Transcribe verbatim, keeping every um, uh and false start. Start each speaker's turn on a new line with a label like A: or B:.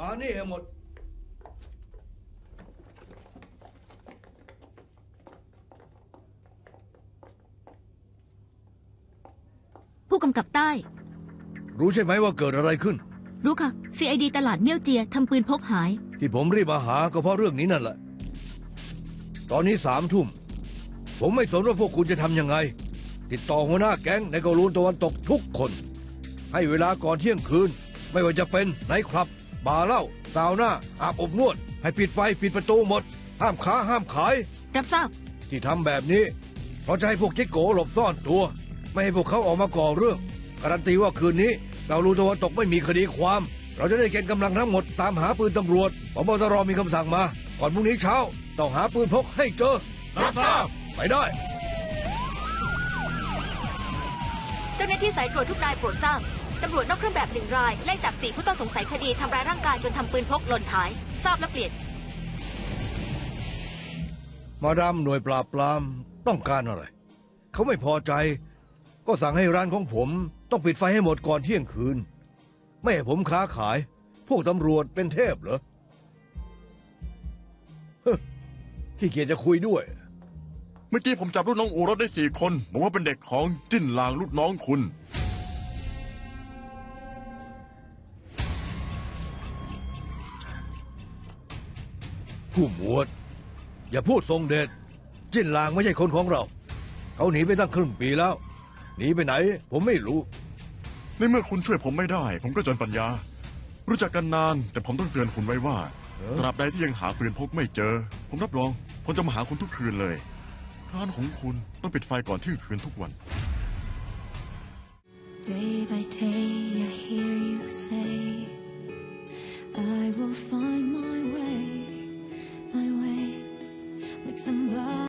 A: มานี่ให้หมด
B: ผู้กำกับใต้
A: รู้ใช่ไหมว่าเกิดอะไรขึ้น
B: รู้ค่ะ ซี ไอ ดี ตลาดเมี่ยวเจียทำปืนพกหาย
A: ที่ผมรีบมาหาก็เพราะเรื่องนี้นั่นแหละตอนนี้สามทุ่มผมไม่สนว่าพวกคุณจะทำยังไงติดต่อหัวหน้าแก๊งในเกาหลีตะวันตกทุกคนให้เวลาก่อนเที่ยงคืนไม่ว่าจะเป็นไนท์คลับบาร์เหล้าซาวน่าอาบอบนวดให้ปิดไฟปิดประตูหมดห้ามค้าห้ามขาย
B: รับทราบ
A: ที่ทำแบบนี้เพราะจะให้พวกจิ๊กโกหลบซ่อนตัวไม่ให้พวกเขาออกมาก่อเรื่องการันตีว่าคืนนี้เกาหลีตะวันตกไม่มีคดีความเราจะได้เกณฑ์กำลังทั้งหมดตามหาปืนตำรวจผบ.ตร.มีคำสั่งมาก่อนพรุ่งนี้เช้าต้องหาปืนพกให้เจอ
C: รับทราบ
A: ไปได้
B: เจ้าหน้าที่สายตรวจทุกรายโปรดทราบตำรวจนอกเครื่องแบบหนึ่งรายไล่จับสี่ผู้ต้องสงสัยคดีทำร้ายร่างกายจนทำปืนพกหล่นหายทราบและเปลี่ยน
A: มาดามหน่วยปราบปรามต้องการอะไรเขาไม่พอใจก็สั่งให้ร้านของผมต้องปิดไฟให้หมดก่อนเที่ยงคืนไม่ให้ผมค้าขายพวกตำรวจเป็นเทพเหรอขี้เกียจจะคุยด้วย
C: เมื่อกี้ผมจับลูกน้องอูรถได้สี่คนบอกว่าเป็นเด็กของจิ้นลางลูกน้องคุณ
A: ผู้หมวดอย่าพูดทรงเดชจิ้นลางไม่ใช่คนของเราเขาหนีไปตั้งครึ่งปีแล้วหนีไปไหนผมไม่รู้
C: ในเมื่อคุณช่วยผมไม่ได้ผมก็จนปัญญารู้จักกันนานแต่ผมต้องเตือนคุณไว้ว่าตราบใดที่ยังหาปืนพกไม่เจอผมรับรองผมจะมาหาคุณทุกคืนเลยร้านของคุณต้องปิดไฟก่อนเที่ยงคืนทุกวัน Day by day I hear you say I will find my way my way like somebody